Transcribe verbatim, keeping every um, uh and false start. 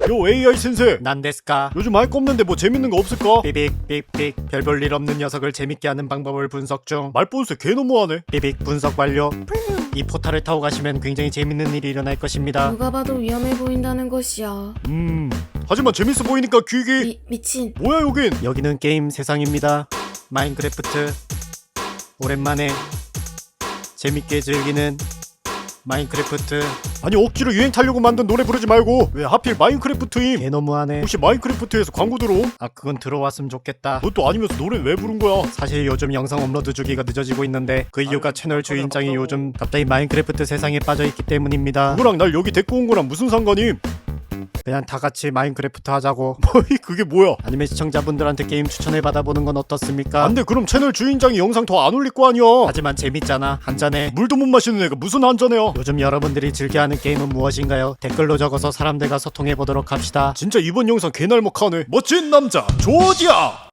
요 에이아이 센세, 난데스까? 요즘 할 거 없는데 뭐 재밌는 거 없을까? 삐빅 삑삑. 별 볼 일 없는 녀석을 재밌게 하는 방법을 분석 중. 말본세 개 너무하네. 삐빅 분석 완료. 이 포탈을 타고 가시면 굉장히 재밌는 일이 일어날 것입니다. 누가 봐도 위험해 보인다는 것이야. 음 하지만 재밌어 보이니까 귀기. 미, 미친. 뭐야 여긴? 여기는 게임 세상입니다. 마인크래프트. 오랜만에 재밌게 즐기는 마인크래프트. 아니 억지로 유행 타려고 만든 노래 부르지 말고 왜 하필 마인크래프트임? 개 너무하네. 혹시 마인크래프트에서 광고 들어옴? 아 그건 들어왔으면 좋겠다. 그것도 아니면서 노래는 왜 부른 거야? 사실 요즘 영상 업로드 주기가 늦어지고 있는데 그 이유가 채널 주인장이 요즘 갑자기 마인크래프트 세상에 빠져있기 때문입니다. 그거랑 날 여기 데리고 온 거랑 무슨 상관임? 그냥 다 같이 마인크래프트 하자고. 뭐이 그게 뭐야? 아니면 시청자분들한테 게임 추천해 받아보는 건 어떻습니까? 안돼 그럼 채널 주인장이 영상 더 안 올릴 거 아니야. 하지만 재밌잖아. 한잔해. 물도 못 마시는 애가 무슨 한잔해요. 요즘 여러분들이 즐겨하는 게임은 무엇인가요? 댓글로 적어서 사람들과 소통해 보도록 합시다. 진짜 이번 영상 개날먹하네. 멋진 남자 조디야.